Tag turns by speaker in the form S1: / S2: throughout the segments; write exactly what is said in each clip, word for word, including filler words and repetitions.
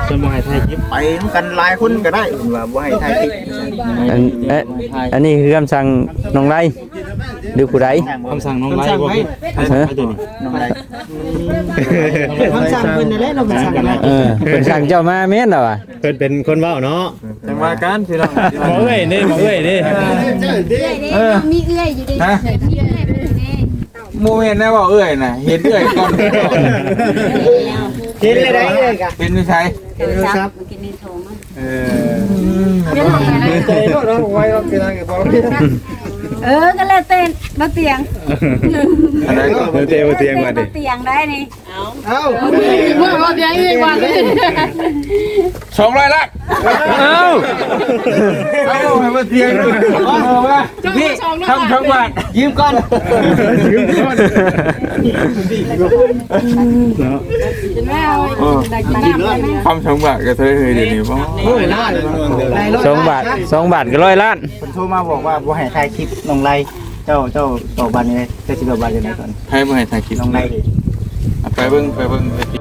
S1: จะบ่ให้ถ่ายคลิป
S2: ไปกันหลายคนก็ได้ว่าบ่ให้ถ่ายคลิป
S3: อันเอ๊ะอันนี้คือคำสั่งน้องไรหรือผู้ใด
S1: คำสั่งน้องไล่บ่ให้ให้ตัวนี้
S2: น้องไร
S4: คำสั่งเพิ่นนั่นแหละเราไปสั่งนะ
S3: เออเพิ่นสั่งเจ้ามาแม่นเหรอวะ
S1: เพิ่นเป็นคนเว้าเนาะ
S5: จังว่ากันพี่น้อง
S1: บ่เอ้ยนี่บ่เอ้ยนี่
S6: เออมีเอื้อยอยู่ดิมีเอื้อยเป็นแน่
S5: โมเมนต์นะบอกเอ้ยน่ะเห็นเอ้ยก่อน
S4: เห็นเลยได้เลยกะ
S5: เป็นวิชัย
S6: เออครับเมื่อกี้นี่โทรมา
S5: เออ
S4: ใจโน่นเราไว้เราเป็นอะไรกับเราเนี่ย
S6: เออก็เลยเต้นมาเตียง
S5: อะไรก็
S1: เดี๋ยวเตะบ่เตียงมาดิ
S6: เตียงได้นี่
S4: เอ้า
S6: เมื่อมาเตียงอีกวันนึง
S5: สองร้อยละ
S3: เอ้า
S5: เอาให้มาเตียงเอาว่าพี่ทำทั้งวันยืมก่อน
S1: ยืมก่อนเนาะ
S6: เป็นแม่เอาดักกินน้ำได้ไหม
S5: ทำทั้งวันก็เธอเฮ้ยเดี๋ยวนี้บ่
S4: โอ้ยน่าเลย
S3: สองบาทสองบาทก็ร้อยล้าน
S2: เพิ่นโทรมาบอกว่าบ่ให้ถ่ายคลิปน้องไรเจ้าเจ้าตอบบัตรนี่เจ้าสิตอบบัตรยังไงก่อน
S5: ให้บ่ให้ถ่ายคลิป
S2: น้องไรดิ
S5: ไปเบิ่งไปเบิ่ง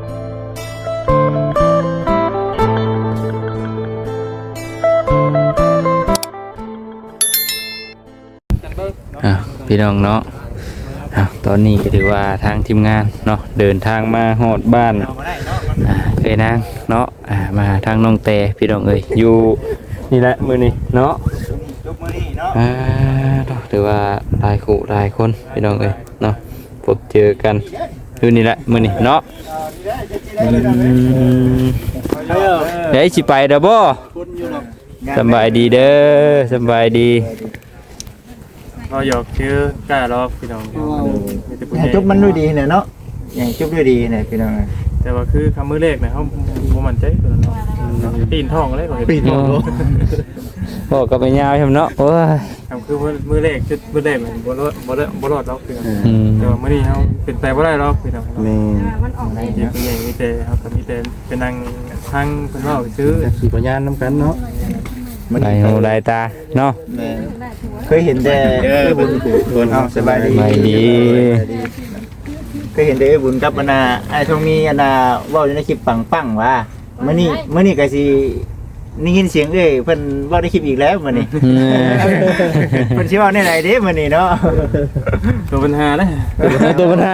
S3: อ่ะพี่น้องเนาะอ่ะตอนนี้ก็ถือว่าทางทีมงานเนาะเดินทางมาฮอดบ้านอ่าเอ้ยนางเนาะอ่ามาทางน้องแต่พี่น้องเอ้ยอยู่นี่แหละมื้อนี้เนาะ
S2: ยกมือนี่เนาะ
S3: อ่าเนาะถือว่าหลายคู่หลายคนพี่น้องเอ้ยเนาะพบเจอกันอยู่นี่แหละมื้อนี้เนาะอืมเดี๋ยวสิไปเด้อบ่สำบายดีเด้อสำบายดี
S5: เราหยอกชื่อกล้ารอบพี่น้อง
S2: ให้จบมันด้วยดีเนี่ยเนาะให้จบด้วยดีเนี่ยพี่น้อง
S5: แต่ว่าคือคำมือเลขนะเขาบ่มั่นใจตัวนั้นเนาะปีนทองอะไรก่อน
S1: ปีนโล
S3: บอกกับไปยาวใช่ไหมเนาะโอ้ย
S5: คำคือมือเลขชุดมือเลขมันบ่รอดบ่รอดบ่รอดหรอกพี่น้อง
S3: อืม
S5: แต่ว่ามื้อนี้เฮาเป็นไปบ่ได้หรอกพี่น้อง
S1: แม่
S6: มันออกได้
S5: มีเป็นอย่างมีแต่เฮาก็มีแต่เป็นนางทางเพิ่นเว้าซื้อ
S1: ขี่พยานนำกันเนาะ
S3: ลายหูลายตาเนาะ
S2: แม่เคยเห็นแต่เอ้ยบุญคนเอาสบายดี
S3: สบายดี
S2: เคยเห็นแต่เอ้ยบุญกับอันน่ะไอ้ทองมีอันน่ะเว้าอยู่ในคลิปปังๆว่ามื้อนี้มื้อนี้ก็สิได้ยินเสียงเอ้ยเพิ่นเว้าในคลิปอีกแล้วมื้อนี้
S3: อืม
S2: เพิ่นสิเว้าในไหนเด้มื้อนี้เนาะ
S5: ตัวปัญหานะ
S3: ตัวปัญหา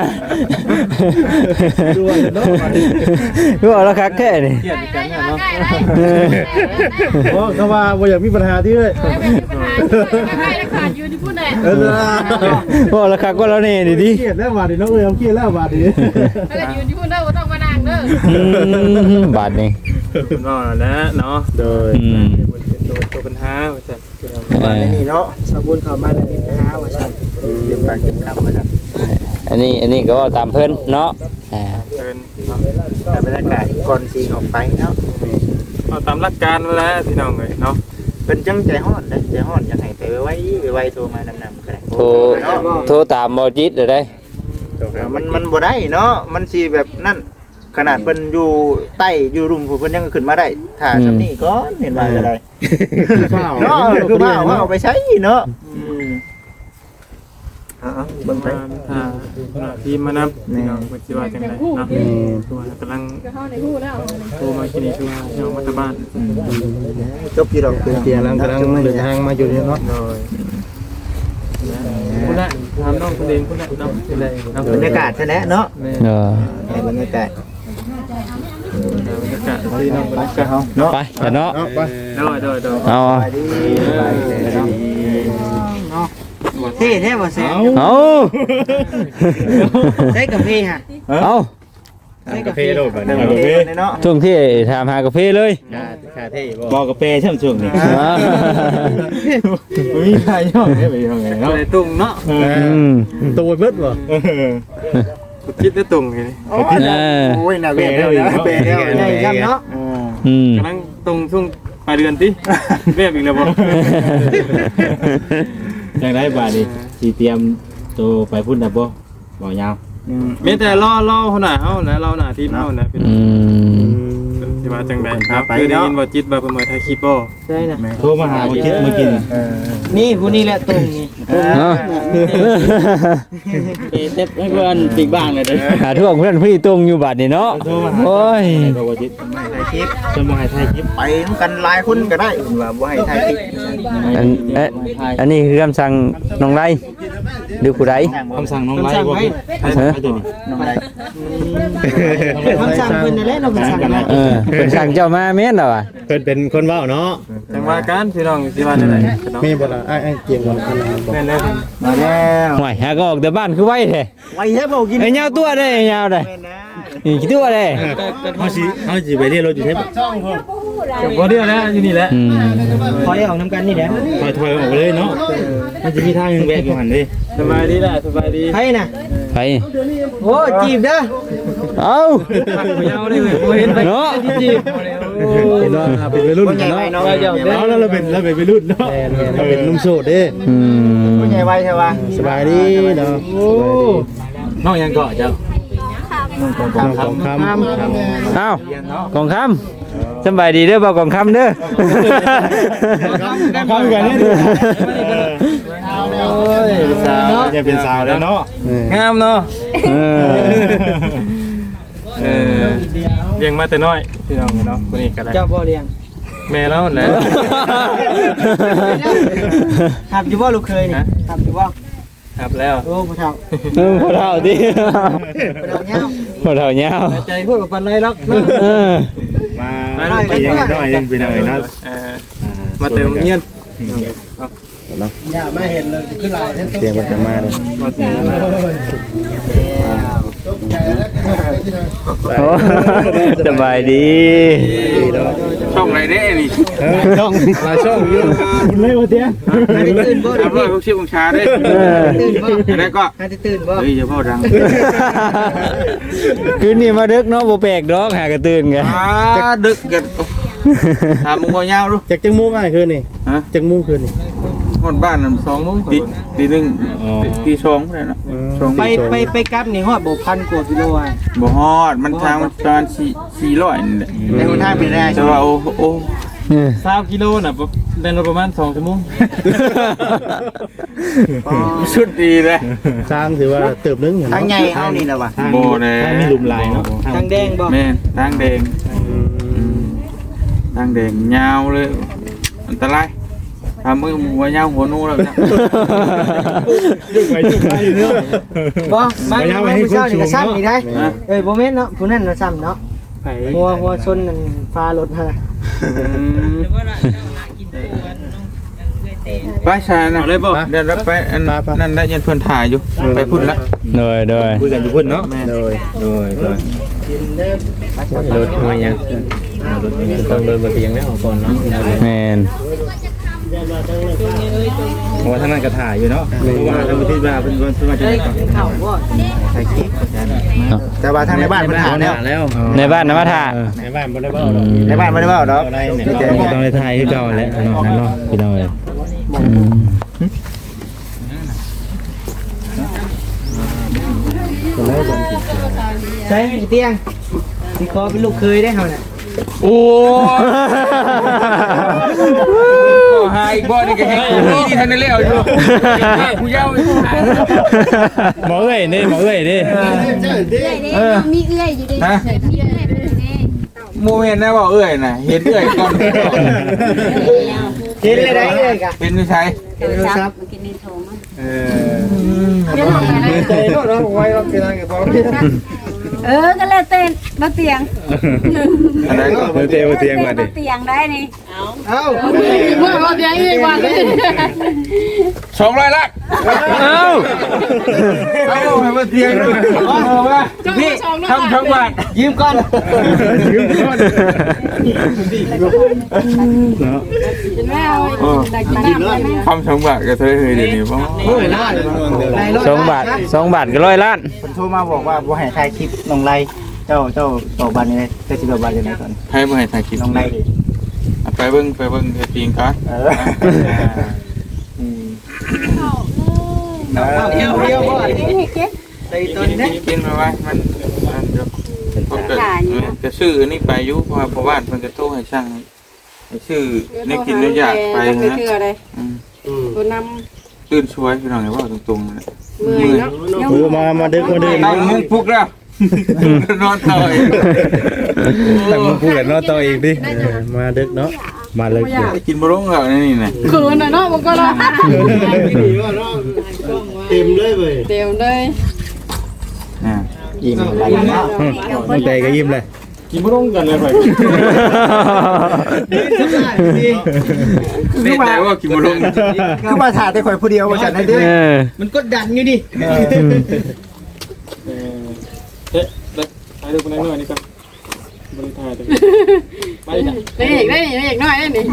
S3: ก็เอาละคักแค่นี่
S5: เครียดกันเนาะ
S1: โอ้เขาว่าบ่อยากมีปัญหาที่เลย
S6: ใครราคาอยู่ที่พูดเลย
S1: เออ
S3: ก็เอาละคักก็แล้วนี่ดิดิ
S1: เครียดแล้วบาดนี้น้องเอ้ยเอาเครียดแล้วบาดนี้
S6: ถ้าเกิดอยู่ที่พูดได้ก็ต้องมานั่งเด้อ
S3: อืมบาทนี่
S5: คุณว่าแล้วเนาะ
S1: โดย
S3: อืม
S5: ตัวตัวปัญหาว่าซั่น
S3: เออ
S2: นี่เนาะ
S4: สบุญเข้ามาแล้วนี่นะฮะว่าซั่น
S2: เก็บปากเก็บคำว่าซั่น
S3: อันนี้อันนี้ก็ว่าตามเพิ่นเนาะอ่า
S5: เชิญเนาะ
S2: แต่บรรยากาศก่อนสิออกไปเนาะ
S5: เอาตามหลักการเวลาพี่น้องเลยเนาะ
S2: เป็นจังใจฮ้อนเด้ใจฮ้อนอยากให้ไปไว้ไว้โทรมานำๆก็ได้
S3: โทรโทรตามบ่จิตเด้อได้
S2: มันมันบ่ได้เนาะมันสิแบบนั่นขนาดเพิ่นอยู่ใต้อยู่รุมผู้เพิ่นยังขึ้นมาได้ถ้าซำนี้ก่อนเห็นว่าจะได้
S1: ข้าว
S2: เนาะคือว่าเอาไปใช้เนาะอืมเอาๆเบิ่งไป
S5: ถ้าทีมมานำพี่น้องเพิ่นสิว่าจังได๋เนาะตัวกำลัง
S6: เข้าในหูแล้ว
S5: โทรมากินนี่คือว่าเจ้ามาตบ้าน
S2: จบอยู่ดอกคือ
S1: เตียงกำลังกำลังเดินทางมาอยู่นี่เนาะ
S5: โดยคุณละถามน้องคุณเองคุณละน้องเป็นไรน้อง
S2: บรรยากาศซะแหละเนาะ
S5: แม่
S3: เออบ
S2: รรยากาศ
S5: บรรยากาศที่น้องบรรยากาศ
S2: เฮาเนาะ
S3: ไปเดี๋ยวเนาะ
S1: เอาไป
S5: โดยโดยโดย
S3: เอา
S2: ไปดีไปดีเนาะเท่แท้บ่แซ่บ
S3: เอา
S4: ได้กาแฟฮะ
S3: เอา
S4: ได้กาแฟ
S1: โลดบาด
S2: เด้
S1: นี้
S2: อเนาะ
S3: ช่วงที่ถามหากาแฟเลย
S1: คาเท่บ่
S2: บอกกับเป้ช่ำช่วงนี้
S3: อ่า
S2: มีใครย่องได้ไปทางไหน
S5: เนาะ
S2: เนาะ
S5: ในตุ่งเนาะ
S3: อืม
S1: ตัวเบิดบ่
S5: คิดได้ตุ่งไง
S2: โอ้ยน่ะโอ้ยน่ะเป้แล้วเป้แล้ว
S4: ได้ครับเนาะ
S3: อืม
S5: กำลังตรงช่วงปลายเดือนติเรียบอีกแล้วบ่
S7: จังได้บาดนี้สิเตรียมตัวไปพุ่นดับบ่บ่ยาว
S5: มีแต่รอรอคนหน้าเฮานะเราหน้าทีมเฮานะพี่น้อ
S3: อื
S5: ง
S3: ม
S5: สิว่าจังได๋ครับคือได้ยินบ่จิตว่าเพิ่นมาถ่ายคลิปบ่
S4: ใช่น่ะ
S7: โทรมาหาบ่คิดเมื่อกี้นี่
S4: นี่ผู้นี้แหละตรงนี่
S3: เนาะ
S4: เต็บให้เพื่อนปีกบ้างเลยเด้อ
S3: หาทั่วเพื่อนพี่ตรงอยู่บัดนี่เนาะ
S7: โทรมาหา
S3: โอ้ย
S7: บ่คิด
S2: ถ่ายคลิป
S7: จะมาให้ถ่ายคลิป
S2: ไปนํกันหลายคนก็ได้ว่าบ่ให้ถ่ายคลิป
S3: อันเอ๊ะอันนี้คือคำสั่งน้องไรดูผู้ใด
S7: คำสั่งน้องไล่บ่คิดให้ให้ตัวนี้
S2: น้องไร
S4: คำสั่งเพิ่นนั่นแหละเราคำสั่งนะ
S3: เออเป็นสั่งเจ้ามาแม่นเหรอวะ
S1: เพิ่นเป็นคนเว้าเนาะ
S5: จังว่ากันพี่น้องสิว่าจังได๋
S1: มีบ่ล่ะไอ้ไอ้เกียงบ่ล่ะอันนั้นบ่
S5: แม่นแล้ว
S2: มาแล้ว
S3: ห่วยหาก็ออกแต่บ้านคือไว้แท้
S2: ไว้ให้บ่กิน
S3: ไอ้ยาวตัวได้ไอ้ยาวได้
S2: แม่นะ
S3: นี่กี่ตัวได้
S7: เฮาสิเฮาสิไปเรียนรถอยู่ใช่ปะ
S5: บ่เดียวแล้วอยู่นี่แหละ
S3: อืม
S4: ขอให้ออกน้ำกันนี่แหละ
S7: ถอยถอยออกไปเลยเนาะมันจะมีทางนึงแวกอยู่หั่นเด้
S5: สบายดีแหละสบายดี
S4: ให้น่ะ
S3: ไป
S4: โอ้จีบเด้อ
S3: เอา
S5: บ่ยาวเลยเว้ยบ่เห็นไป
S3: เนาะ
S5: จีบ
S1: เห็นว่าเป็นวัยรุ่นเนาะ
S7: เอาแล้วเราเป็นเราเป็นวัยรุ่นเนาะ
S1: เราเป็นหนุ่มโสดเด้
S3: อืม
S2: ผู้ใหญ่ไว้ใช่ป่ะ
S1: สบายดีเนาะ
S7: น้องยังเกาะเจ้า
S1: น้องทองคำ
S3: เอ้ากองคำสบายดีเด้อบ่าวกองคำเด้อ
S7: เข้ากันนี่โอ้ยสาวจะเป็นสาวแล้วเนาะ
S5: งามเนาะ
S3: เออ
S5: เออเลี้ยงมาแต่น้อยพี่น้องเนาะคนนี้ก็ได้
S4: เจ้าบ่เลี้ยง
S5: แม่แล้วแหละ
S4: ขับอยู่บ่ลูกเคยนี่ขับอยู่บ่
S5: ครับแล้ว
S4: โอ้ผู้เฒ่า
S3: เออพอเท่าดิ
S4: ผู้เฒ่าเงา
S3: พอเท่าเงา
S4: ใจพูดกับปันไรหรอก
S3: เออ
S7: มาไปยังน้อยยังไปหน่อยเนาะ
S5: เออมาเติมเงียน
S4: อย่ามาเห็นเลยขึ้นลายเห็น
S1: เสียงมันจะมาเลย
S5: มาเติม
S3: โอ้สบายดี
S5: ช่องไหนเด้นี่
S1: ช่องหลายช่องอยู่คุณเลยว่าเตี้ย
S4: ตื่นบ่
S5: ครับว่าพวกชื่อของชาได้
S3: เออ
S4: ตื่นบ่
S5: ได้ก็
S4: ให้ตื่นบ่
S5: เฮ้ยอย่าพ่อดัง
S3: คืนนี้มาดึกเนาะบ่แปลกดอกหากระตื่นไง
S5: อ่าดึกกันถามมึงบ่ยาวดู
S1: จากจังมุ้งอะไรคืนนี่
S5: ฮะ
S1: จังมุ้งคืนนี่
S5: ฮอดบ้านนั่นสองโมงตีตีหนึ่งตีสองได้เนาะสอง
S4: ไปไปไปกลับนี่ฮอดบ่พันกว่ากิโลอ่ะ
S5: บ่ฮอดมันทางมันประมาณสี่สี่ร้อยนี่แหละ
S2: ในหนทางเป็นแน่
S5: แต่ว่าโอ้โอ้
S3: เออ
S5: สามกิโลน่ะเดินประมาณสองชั่วโมงชุดดีเลย
S1: สร้างถือว่าเติบนึง
S2: ทางใหญ่เฮานี่ล่ะว่ะ
S5: โบเลย
S7: มีหลุมลายเนาะ
S4: ทางแดงบ่
S5: แม่นทางแดงทางแดงยาวเลยอันตรายทำมือหัวยาวหัวนูแล้วนะ
S7: ไปจุดไปเนาะ
S4: บ่มามาผู้เช้านี่ก็ซ้ำนี่ได้เอ้ยบ่แม่นเนาะผู้นั้นน่ะซ้ำเนาะ
S5: ไผ่
S4: หัวหัวชนนั่นฟ้ารถฮะ
S5: ไปชานะเลยบ่เดี๋ยวรับไปอันนั่นได้ยันเพื่อนถ่ายอยู่ไปพุ่นละ
S3: โดยโดย
S7: คุยกันอยู่พุ่นเนาะ
S1: โดย
S7: โดยโดย
S1: รถมายังต้องเดินมาเตียงแล้วก่อนเนาะ
S3: แม่น
S7: เพราะว่าท่านนั้นก็ถ่ายอยู่เนาะเพราะว่าทางประเทศว่าเป็นคนสมัครใจก่อน
S4: เข้าบ่
S2: ถ่ายคลิปแต่ว่าทางในบ้านเพิ่นหาแล้ว
S7: แล้ว
S3: ในบ้านนะมาถ่า
S1: ในบ้านบ่ได้เว้า
S2: ในบ้านบ่ได้เว้าดอกมีแต่
S7: ต้องได้ถ่ายคือเก่าแหละเนาะเนาะพี่น้องเอ้ย
S3: อืม
S4: ใช่อีเตียงสิขอเป็นลูกเคยได้เฮาน่ะ
S5: โอ้หายบ่นี่ก็ให้นี่ทันได้แล้วอยู่ผู้ยาว
S7: หมอเอ้ยนี่หมอเอ้ยนี่
S6: เอ้ยมีเอื้อยอยู่ดิมีเอื้อยอยู่ดิ
S5: โมเมนต์นะว่าเอ้ยน่ะเห็นเอ้ยก่อน
S4: เห็นเลยได้เลยกะ
S5: เป็นนิสัย
S6: โทรศัพท์กินนี่โทรมา
S5: เออ
S6: เดี๋ยวบอกอะไร
S4: ใจเนาะเราไว้เราเป็นทางกับบ่
S6: เออก็แล้วเต้นมาเตียง
S5: อะไรก็
S7: เตียงเตียงมาดิ
S6: เตียงได้นี่
S4: เอ้า
S6: เมื่อมาเตียงอีกวัน
S5: สองร้อยลัก
S3: เอ้า
S5: เอาให้มาเตียงด้วยเอาว่าพี่ทำทั้งวัน
S4: ยืมก่อน
S6: แม่เอาแต่กินน้ำได้ไหม
S5: ทำทั้งวันก็เธอเฮ้ยเดี๋ยวนี้ป่ะ
S4: โอ้ยล่าเลย
S3: สองบาทสองบาทก็ร้อยล้าน
S2: เพิ่นโทรมาบอกว่าบ่ให้ถ่ายคลิปน้องไรเจ้าเจ้าตอบบัตรนี่เลยเจ้าสิตอบบัตรยังไงก่อน
S5: ให้มาให้ถ่ายคลิป
S2: น้องไรดิ
S5: ไปเบิ้งไปเบิ้งเฮ็ดปิงกัน
S2: เอออืม
S4: เดียวเดียวบ่
S6: เก็บ
S4: ใส่ตัวนี้นะ
S5: กินมาไว้มันมันเดี๋ยว
S3: เ
S6: ขายอยู่
S5: จะซื้อนี่ไปอยู่เพราะว่าพ่อบ้านเพิ่นก็โทรให้ช่างให้ซื้อนี่กินนี่อยากไป
S6: ไม่
S5: นะ
S6: เชื่อเลยตัวน
S5: ตื่นช่วยพี่น้องไงว่าตรงๆนะ
S6: ำมือเนาะ
S2: โอ้มามาดึกมาดึก
S5: ตั้งมุ้งปลุกแล้วนอนต่อย
S2: ตั้งมาพูดกันเนาะต่ออีกดิมาดึกเนาะมาเลย
S5: กินบะรงแล้วนี่นะ
S6: คืนน่ะเนาะมันก็เนาะ
S2: เต็มเลยเว้ย
S6: เต็มเลย
S5: อ่า
S2: ยิ้มอะไรเนาะตั้งใจก็ยิ้มเลย
S7: กินบ่ลงกันเลยไป
S5: นี่แต่ว่ากินบะรง
S2: คือมาถ่ายแต่ข่อยผู้เดียวว่าจัดให้เด้
S3: เออ
S4: มันกดดันอยู่ดิ
S7: เออเอ๊ะไปดูคนนั้นหน่อยนี่ครับบริษัทไปจ้ะ
S6: ได้อีกได้อีกได้อีกน้อยได้นี่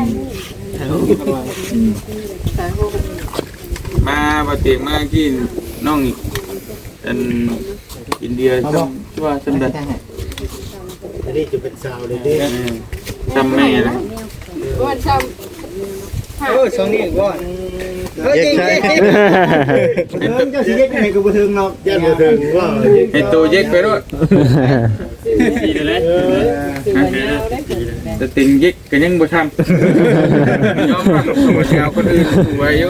S5: มาบะเตียงมากินน้องอันอินเดียจำชื่อว่าจำได้
S2: อันนี้จะเป็นสาวเลยดิ
S5: จำแม่นะ
S6: วันชม
S4: เออสองนี่ก่อนเออจริง
S2: เจ้าสิเย็ดยังไงก็บ่ถึงเนาะยันบ่ถึงว่า
S5: ให้ตัวเย็กไปด้วย
S7: ดีเลย
S5: แต่ติงเย็กก็ยังบ่ทำยอมรับตัวเช้าคนอื่นไว้อยู่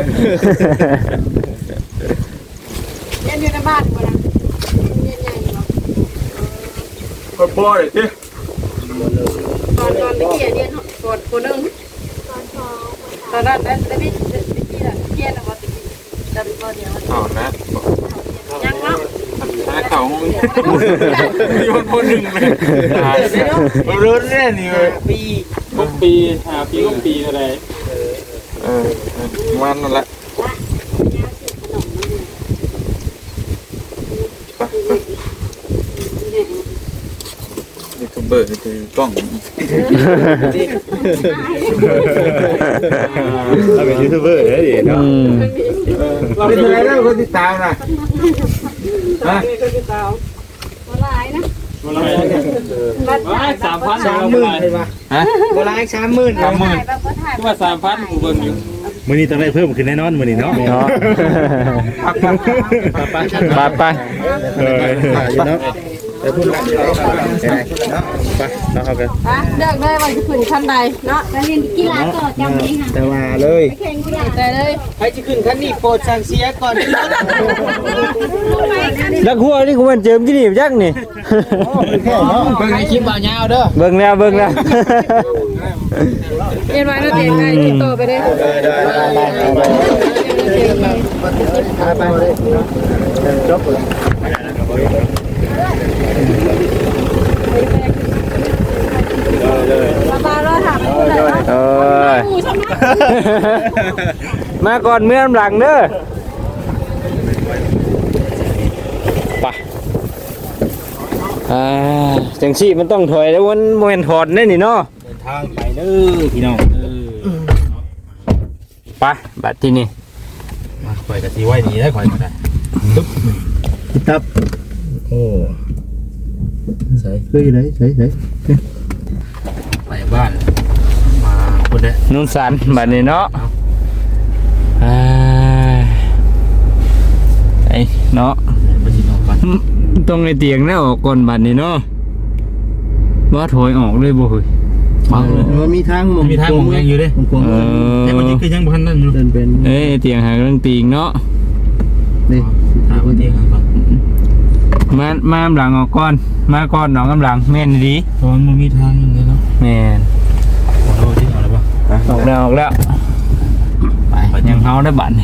S6: เรียนอยู่ในบ้านบ่นะเรียนใหญ่บ่
S5: ก็พอเลยสิ
S6: ตอนตอนที่เรียนกดคนนึงตอนนั้นได้ได้พี่ได้พี่น่ะเรียนน่ะบ่ติดจำบ่เดียว
S5: ถอดนะ
S6: ยังเนาะ
S5: ถ้าเขามีคนคนหนึ่งเลยรู้แน่นี่เลย
S7: ปีก็ปีหาปีก็ปีอะไร
S5: เออมันนั่นแหละยูทูบเบอร์คือกล้อง
S2: เราเป็นยูทูบเบอร์เด้ดิเนาะ
S3: อืม
S5: เราเป็นอะไรแล้วคนติดตามนะฮะ
S6: บ่หลายนะ
S7: สามพัน
S4: สามหมื่นเลยป่ะ
S5: ฮะ
S4: โบราณสามหมื่น
S5: สามหมื่น
S7: คือว่าสามพันกูเบิ่งอยู่
S2: มื้อนี้ต้องได้เพิ่มขึ้นแน่นอนมื้อนี้เนาะ
S3: เนาะ
S5: พักพัก
S3: ไปไป
S2: เอออยู่เนาะไปพูดกันเนาะไปเนาะเอากัน
S6: อ่ะเลือกเลยว่าจะขึ้นขั้นใดเนาะไปเรียนกีฬาต่อจำเองค่ะ
S2: แต่ว่าเลย
S6: แข่งกีฬาใจเลย
S4: ใครจะขึ้นคันนี้โปรดสั่งเสียก่อน
S3: แล้วหัวนี่กูมันเจิมกี่นี่จักนี่
S4: เบิ่งในคลิปบ่าวยาวเด้อ
S3: เบิ่งแล้วเบิ่งแล้ว
S6: เรียนไว้แล้วเตียงไงติดต่อไปเลย
S2: ไปเลยจบเลย
S6: มาตาเราถามคุณเลยว่า
S3: เอ้ย
S6: ผู้ชนะ
S3: มาก่อนเมื่อหลังเด้อไปอ่าจังซี่มันต้องถอยแล้วมันบ่แม่นถอนแน่นี่เนาะ
S7: ทางไปเด้อพี่น้องเออ
S3: ไปบัดที่นี่
S7: มาข่อยก็สิไว้ดีได้ข่อยก็ได้
S2: ตับโอ้ใส่คือไหนใส่ใส่
S7: ไปบ้านมาคนเด้อ
S3: นุ่นสันบัดนี้เนาะอ่าไอ้เนาะ
S7: ไปสินอนก่อน
S3: ตรงในเตียงแล้วออกก่อนบัดนี้เนาะว่าถอยออกเลยบ่เฮ้ย
S7: บังเลย
S2: มันมีทาง
S7: มีทางมองยังอยู่เด้
S2: กวง
S3: เออ
S7: แต่วันนี้คือยังบ่ทันนั่นอยู่
S2: เดินเป็น
S3: เอ้ยเตียงหาเรื่องตีงเนาะ
S2: นี่
S7: หาวันนี้ก่อน
S3: มามาหลังออกก่อนมาก่อนหนองกำลังแม่นดี
S7: ตอนมันมีทางยังไงเนาะ
S3: แม่น
S7: ขอโทษที่เอาแล้วป่ะ
S3: ออกแล้วออกแล้ว
S7: ไป
S3: ยังเฮาได้บัดนี่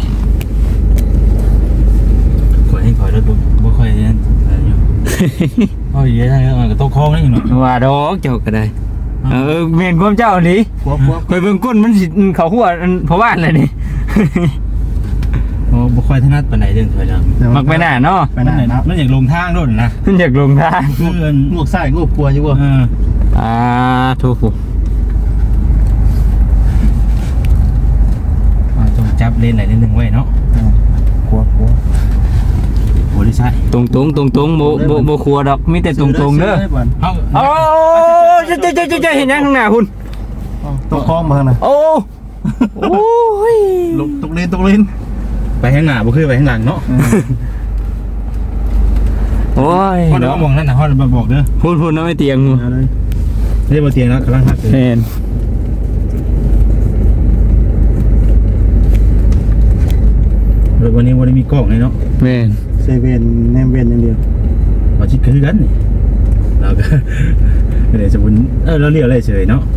S7: ขอให้ขอรถบ่ค่อยนั่นอยู่อ๋อเยอะได้มันก็ต้องคล้องนี่หน่อย
S3: ว่าดอกเจ้าก็ได้เออแม่นความเจ้านี่
S2: พวกพวก
S3: คอยเบิ่งก้นมันสิเขาหัวอันเพราะว่าอะไรนี่
S7: โอ้บ่ค่อยถนัดปานใดเรื่องถอยหลัง
S3: มักไปหน้าเนาะ
S2: ไปไหนนะ
S7: มันอยากลงทางด้วยนะ
S3: มันอยากลงทาง
S7: คือเอิ้น
S2: งวกซ้ายงวกขวาอยู่บ่
S7: เออ
S3: อ่าถูก
S7: ต้องจับเลนไหนเลนหนึ่งไว้เนาะ
S2: ขวาขวา
S7: โอ้ดิใช่
S3: ตรงตรงตรงตรงๆบ่บ่บ่ครัวดอกมีแต่ตรงตรงๆเด้อ
S7: เฮา
S3: โอ้จะจะจะจะเห็นยังข้างหน้าคุณ
S2: ต้องคล้องมานะ
S3: โอ้โอ้ย
S2: ลงตกเลนตกเลน
S7: ไปข้างหน้าบ่คือไปข้างหลังเนาะ
S3: โอ้ย
S7: ฮอดเอามองนั่นน่ะฮอดมาบอกเด้อ
S3: พูดพูดนะไม่เตียง
S7: เอาเลยนี่บ่เตียงแล้วกำลังฮักอยู่
S3: แม่น
S7: เดี๋ยววันนี้บ่ได้มีกล้องเลยเนาะ
S3: แม่น
S2: เซเว่นแนมเว่นอย่างเดียว
S7: บ่สิคือกันนี่เราก็ เดี๋ยวจะบุญเออเราเรียกอะไรเฉยเนาะ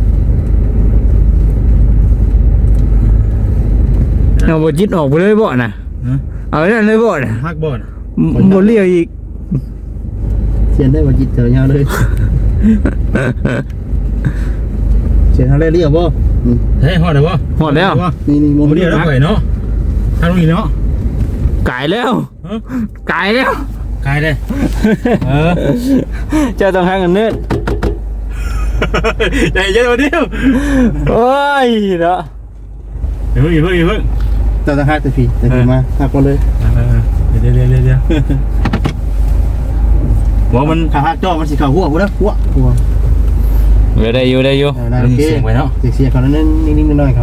S3: เอาบ่จิตออกไปเลยบ่น่ะ
S7: ฮะ
S3: เอาไว้นั่นเลยบ่น่ะ
S7: ฮักบ่น่ะ
S3: บ่เลี้ยวอีก
S2: เสียนได้บ่จิตเจอยาวเลยเสียนทางแรกเรียกบ่
S7: เฮ้ยฮอดได้บ่
S3: ฮอดแล้ว
S2: นี่นี่
S7: บ่เรียกแล้วไปเนาะทางนี้เนาะ
S3: กายแล้ว
S7: ฮะ
S3: กายแล้ว
S7: กายเลยเออ
S3: เจ้าต้องหาเงินเนิด
S7: ใจเย็นมาเดียว
S3: โอ้ยเนาะ
S7: เดี๋ยวเพิ่งเดี๋ยวเพิ่ง
S2: เจ้าต้องหักแต่พี่แต่พี่มาหักก่อนเลย
S7: เดี๋ยวเดี๋ยวเดี๋ยวเดี๋ยวบอกมัน
S2: ขาหักจ่อมันสิเข้าหัวบ่เด้อหัวหัว
S3: เดี๋ยวได้อยู่ได้อยู่
S2: เออนั่นโอเค
S7: เสียงไปเนาะ
S2: เสียงเขานั่นนิ่งๆหน่อยๆครับ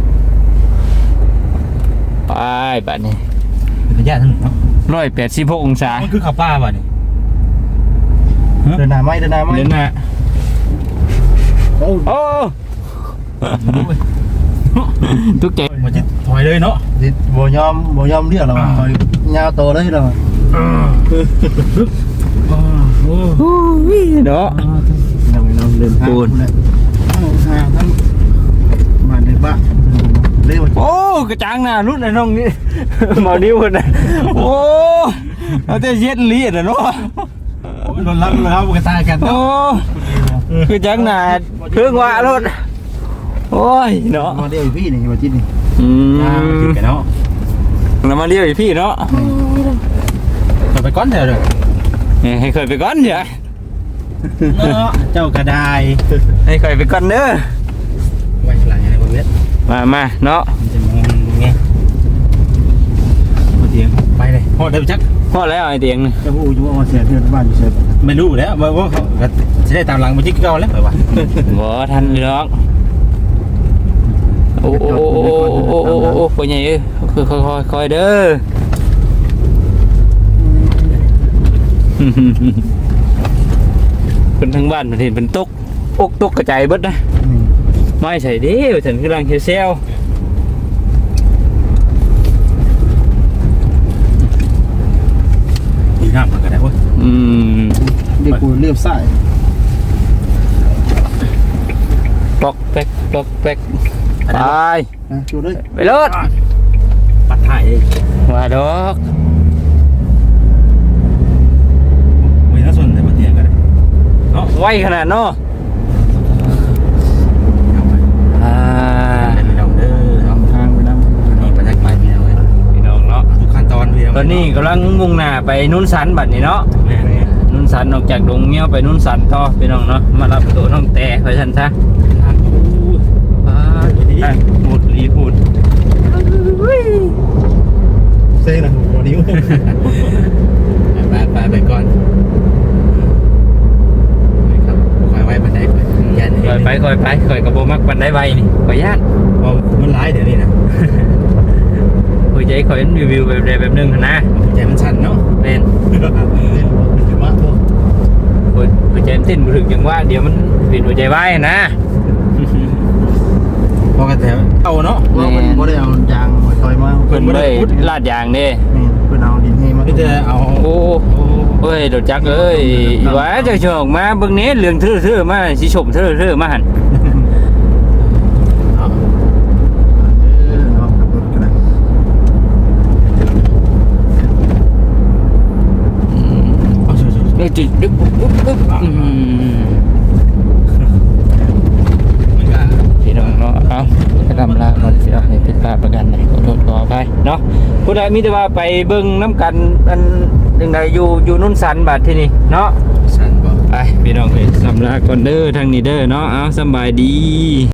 S3: ไปบัดนี้
S7: เป็นระยะทั้งเนาะ
S3: ร้อยแปดสิบหกองศา
S7: มันคือขับป้าป่ะนี่
S2: เดินหน้าไหมเดินหน้าไหม
S3: เดินหน้า
S2: โอ้
S3: โอ้ทุกใจ
S7: มันจะถอยเลยเนาะ
S2: สิบ่ยอมบ่ยอมเรียกเราคอยยาวโตเลยเรา
S7: โอ้
S3: โอ้ยเนาะ
S2: เราเราเดินทาง
S3: ปูน
S2: เลยทางทั้งบ้านในบ้านเร็ว
S3: โอ้กระจังหน้ารุ่นไอ้น้องนี่ เมานิ้วคนน่ะโอ้เอาแต่เย็ดลีดอ่ะเนาะ
S7: โดนรับเลยครับกระตายกัน
S3: โอ้กระจังหน้าเครื่องว่ารถโอ้ยเนาะ
S2: มาเร็วพี่นี่มาจิตนี่
S3: อื
S7: กิน
S3: ม
S7: กันเนาะ
S3: เรามาเรียกไอ้พี่เนาะ
S7: ไปก้อนเถอะเลย
S3: เนี่ยให้เคยไปก่อนเดี๋ยว
S7: เจ้ากระได
S3: ให้เคยไปก่อนเด้อ
S7: ไว้หลังอะไรบนเวท
S3: มามาเนาะ
S7: มันจะมองไงมาเตียงไปเลยพอได้จัก
S3: พอแล้วไอ้เตียงนี่
S2: จะพูดอยู่ว่าเสียเพื่อนบ้านอยู่เสีย
S7: ไม่รู้แล้วว่าว่าจะได้ตามหลังมาจิ๊กเก้าแล้วไปวะ
S3: บ่ทันหรอกโอ้โอ้โอ้โอ้โอ้โอ้โอ้ปใหญ่เอ้ยคือค่อยๆค่อยเด้อ เป็นทั้งบ้านเห็นเป็นตกอกตกกระจายเบิดนะไม่ใช่เด้ฉันกำลังเซล
S7: ดีน้ำมันก็ได้เว้ย
S3: อืม
S2: เด็กกูเรียบสาย
S3: ปลอกแป๊กปลอกแป๊กไป
S2: นะชูด้วย
S3: ไปรถ
S7: ปัดถ่ายเลย
S3: ว่าดอก
S7: ไม่น่าสนแต่มาเตียงกันเลยเนาะ
S3: ไวขนาดเนาะ
S7: เอาไป
S3: อ่า
S7: เล่นไปดองเด้อเอา
S2: ทางไปน้ำ
S7: นี่บรรยากาศมีอะไร
S3: พี่น้องเนาะ
S7: ทุกขั้นตอนพี่
S3: ตอนนี้กำลังมุ่งหน้าไปนุ่นสันบัดนี้เนาะ
S7: แม่เนี่ย
S3: นุ่นสันออกจากดงเงี้ยวไปนุ่นสันต่อพี่น้องเนาะมารับตัวน้องแต่ไปชันซะ
S7: ทางอู้
S3: อ่าอ่ะหมดรีพูด
S2: เซ่นะหัวนิ้ว
S7: ไปไปไปก่อนครับคอยไว้บันไดไปยัน
S3: คอยไปคอยไปคอยกระโบมักปันได้ไวนี่คอยย่าน
S7: พอมันร้ายเดี๋ยวนี้นะ
S3: คอยใจคอยรีวิวแบบใดแบบหนึงหั่นนะ
S7: ใจมันสั่นเนาะ
S3: เป็น
S2: มาตัว
S3: คอยคอยใจมันเต้นบ่ถึงจังว่าเดี๋ยวมันเป็นหัวใจวายหั่นนะ
S7: พอกระแถวเอาเนาะ
S2: ว่ามันบ่ได้เอายางมาต่อยมา
S3: เพิ่นบ่ได้ลาดยางเด้
S2: เพิ่นเอาดินให้มา
S7: พี่จะเอา
S3: โอ้เอ้ยดอกจักเอ้ยว่าจะชอกมาเบิ่งนี้เรื่องทื่อๆมาสิชมทื่อๆมาหั่น
S7: เอา
S2: เออเอาขับรถกันนะ
S7: เอาช่วยช่วย
S3: เดี๋ยวจิดึ๊บปุ๊บปุ๊บปุ๊บอืม
S7: มันก็
S3: พี่น้องเนาะเอาไปทำลาก่อนพี่น้องให้ผิดพลาดประกันใดขอโทษขออภัยเนาะผู้ใดมีแต่ว่าไปเบิ่งน้ำกันอันจังใดอยู่อยู่นุ่นสันบัดที่นี่เนาะ
S7: สั่นบ่
S3: ไปพี่น้องเอ้ยสำลาก่อนเด้อทางนี้เด้อเนาะเอาสำบายดี